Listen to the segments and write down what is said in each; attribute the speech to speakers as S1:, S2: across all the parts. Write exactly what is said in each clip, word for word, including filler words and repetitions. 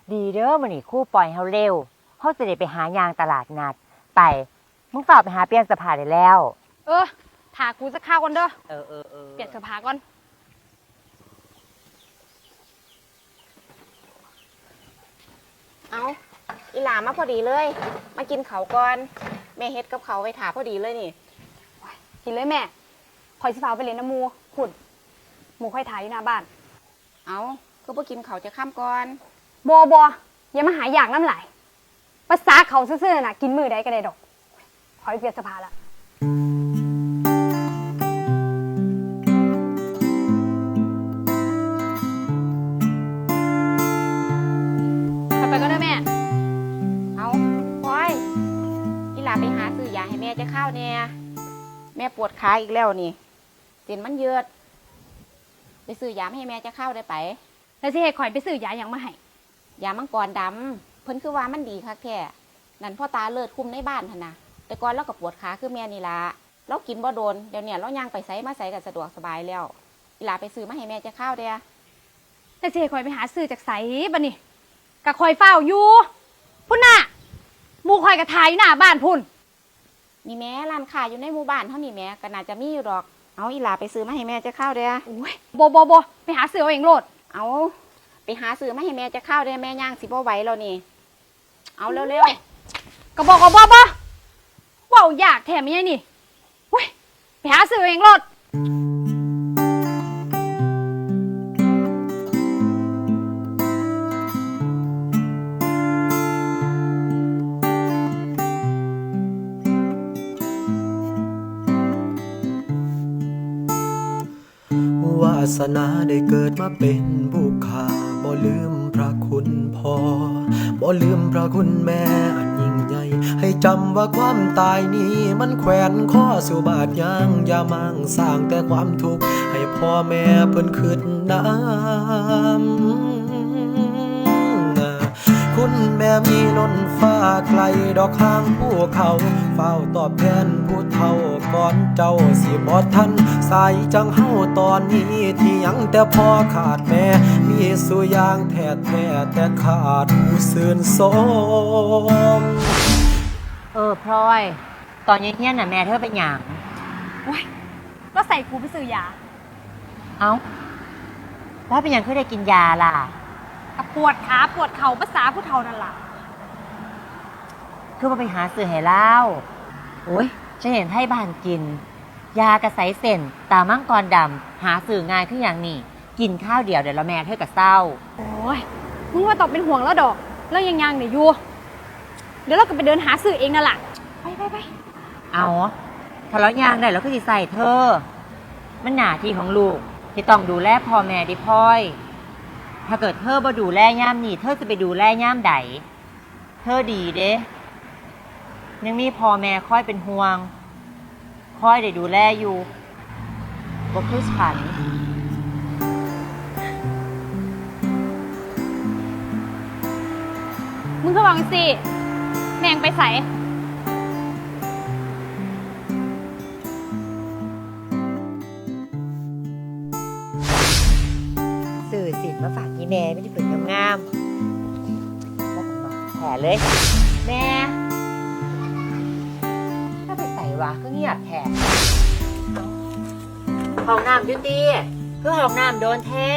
S1: ดีเด้อมื้อนี้ครู่ปล่อยเฮาเร็วเฮาจะได้ไปหายางตลาดนัดไปมึงฝากไปหาเปลี่ยนเสื้อผ้าได้แล้ว
S2: เออถากูจะข้าวก่อนเด้อ
S1: เออเออเออ
S2: เปลี่ยนเสื้อผ้าก่อน
S3: เอาอีหลามาพอดีเลยมากินเขาก่อนแม่เฮ็ดกับเขาไว้ถาพอดีเลยนี่
S2: กินเลยแม่คอยสิฟ้าไปเล่นน้ำมูขุดหมูค่อยถ่ายอยู่หน้าบ้าน
S3: เอาก็บ่กินเขาจะข้ามก่อน
S2: บอบออย่ามาหาอยากน้ำไหลภาษาเขาซื่อๆน่ะกินมือได้ก็ได้ดอกขอไปเปลี่ยนเสื้อผ้าละไปก็ได้แม่
S3: เอาพลอยอีหลาไปหาซื้อยาให้แม่จะเข้าเนี่ยแม่ปวดขาอีกแล้วนี่เส้นมันเยือดไปซื้อยาให้แม่จะเข้าได้ไป
S2: แล้วสิให้ข่อยไปซื้อยาอย่างมาให้
S3: ยามังกรดำเพิ่นคือว่ามันดีคักแท้นั่นพ่อตาเลิศคุมในบ้านหั่นนะแต่ก่อนเราก็ปวดขาคือแม่นี่ละเรากินบ่โดนเดี๋ยวนี้เราย่างไปไสมาไสกันสะดวกสบายแล้วอีหลาไปซื้อมาให้แม่จะเข้าเด้อ
S2: แล้วสิให้ข่อยไปหาซื้อจากไสบัดนี้กะข่อยเฝ้าอยู่พุ่นน่ะหมู่ข่อยกะถ่ายอยู่หน้าบ้านพุ่น
S3: มีแม่ร้านค้าอยู่ในหมู่บ้านเท่านี้แม่ก็น่าจะมีอยู่ดอกเอาอีหลาไปซื้อมาให้แม่จะเข้าเด้อ
S2: โอ้ยบ่บ่บ่ไปหาซื้อเอาเองโลด
S3: เอาไปหาซื้อมาให้แม่จะเข้าเด้อแม่ย่างสิบ่ไหวแล้วนี่เอาเร็วๆ
S2: ก็บอกก็บ่บ่เว้าอยากแถมยังนี่เว้ยไปหาซื้อเอาเองโลด
S4: วาสนาได้เกิดมาเป็นบุคคาบ่ลืมพระคุณพ่อบ่ลืมพระคุณแม่อันยิ่งใหญ่ให้จำว่าความตายนี้มันแขวนข้อสู่บาดยางอย่ามั่งสร้างแต่ความทุกข์ให้พ่อแม่เพิ่นขึ้นน้ำคุณแม่มีล้นฟ้าไกลดอกข้างภูเขาเฝ้าตอบแทนผู้เฒ่าก่อนเจ้าสิบ่ทันสายจังเฮาตอนนี้ที่ยังแต่พ่อขาดแม่มีสุยางแท้แท้แต่ขาดผู้ซื่นสม
S1: เออพลอยตอนเย็นๆน่ะแม่เธอเป็นหยัง
S2: โอ้ยก็ใส่กูไปซื้อยา
S1: เอ้าแล้วเป็นหยังคือได้กินยาล่ะ
S2: กับปวดขาปวดเข่าภาษาผู้เฒ่านั่นล่ะ
S1: คือมาไปหาซื้อให้เล่าโอ้ยฉันเห็นให้บ้านกินยากระใสเส้นตามังกรดำหาซื้อง่ายขึ้นอย่างนี้กินข้าวเดียวเดี๋ยวละแม่เธอกับเศร้า
S2: โอ้ยมึงว่าตอบเป็นห่วงแล้วดอกแล้วยังยังเนี่ยอยู่เดี๋ยวเราก็ไปเดินหาซื้อเองนั่นแหละไปไปไป
S1: เอาถ้าเรายางได้เราก็จะใส่เธอมันหน้าที่ของลูกที่ต้องดูแลพ่อแม่ดิพ่อยถ้าเกิดเธอบ่ดูแลย่ามนี่เธอจะไปดูแลย่ามใดเธอดีเด้ยังมีพ่อแม่คอยเป็นห่วงคอยได้ดูแลอยู่บ่คือฉัน
S2: มึงก็วางสิแมงไปใส่
S1: สื่อสินมาฝากยี่แม่ไม่ได้ฝึกงามๆก็ต้องมาแผลเลยแม่ถ้าไปใส่วะก็เงียบแผลห้องน้ำยุติคือห้องน้ำโดนแท้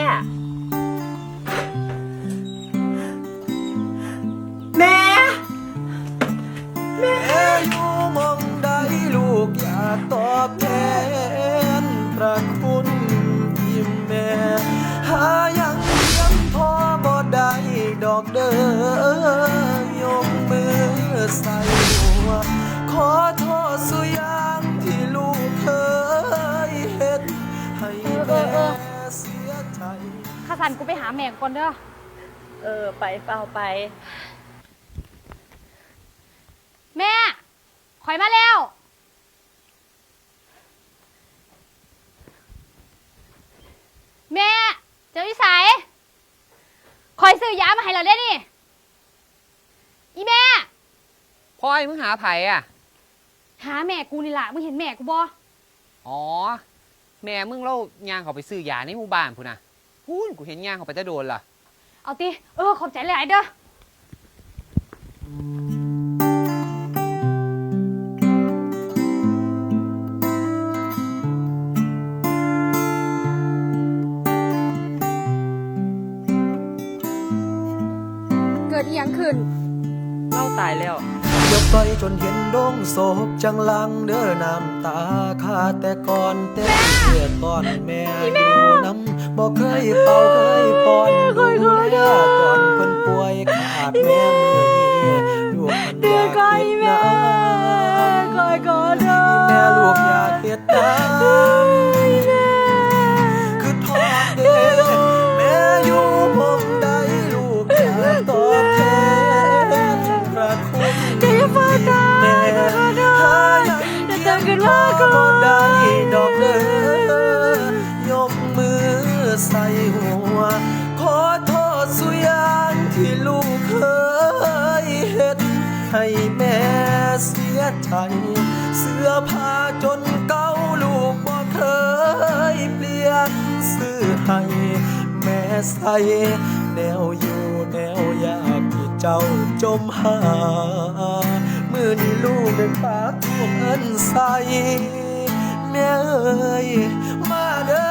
S1: แม่
S4: แม่อยู่มองใดลูกอยากตอบแทนพระคุณที่แม่หายังเลี้ยงพ่อบ่ได้ดอกเด้อยกมือใส่หัวขอโทษสุยางที่ลูกเคยเฮ็ดให้แม่เสียใจ
S2: ข้าสันกูไปหาแม่ก่อนเด้อ
S1: เออไปเฝ้าไป
S2: แม่ข่อยมาแล้วแม่เจ้าวิสัยข่อยซื้อยามาให้เราได้นี่อีแม่
S5: พลอยมึงหาไผอ่ะ
S2: หาแม่กูนี่ล่ะมึงเห็นแม่กูบ่
S5: อ๋อแม่มึงเล่าย่างเขาไปซื้อยาในหมู่บ้านพูนะพูนกูเห็นย่างเขาไปจะโดนล่ะ
S2: เอาติเออขอบใจหลายเด้อเกิดอีหยังขึ้น
S5: เล่าตายแล้ว
S4: เดี๋ยวไปจนเห็นดงศพจังลังเด้อน้ำตาขาดแต่ก่อนแต่เสียก่อนแม่อยู่น้ำบอกเคยเป่าเคยป้อนดูแลตอนเพิ่นป่วยขาดแม่มือนี้ลูกมันอยากเฮ็ดน้ำ
S1: คอยก่อนเด้อ
S4: แม่ลูกอยากเฮ็ดน้ำคือทอดเด้แม่อยู่หม่องใดลูกอยากตอบแทนพระคุณที่แม่หายังเพียงพอบ่ได้ดอกเด้อยกมือใส่หัวขอโทษสุอยางที่ลูกเคยเฮ็ดให้แม่เสียใจเสื้อผ้าจนเก่าลูกบ่เคยเปลี่ยนซื้อให้แม่ใส่แนวอยู่แนวยากที่เจ้าจมหามือนี้ลูกได้ปากท่วงเอิ้นใส่แม่เอ้ยมาเด้อ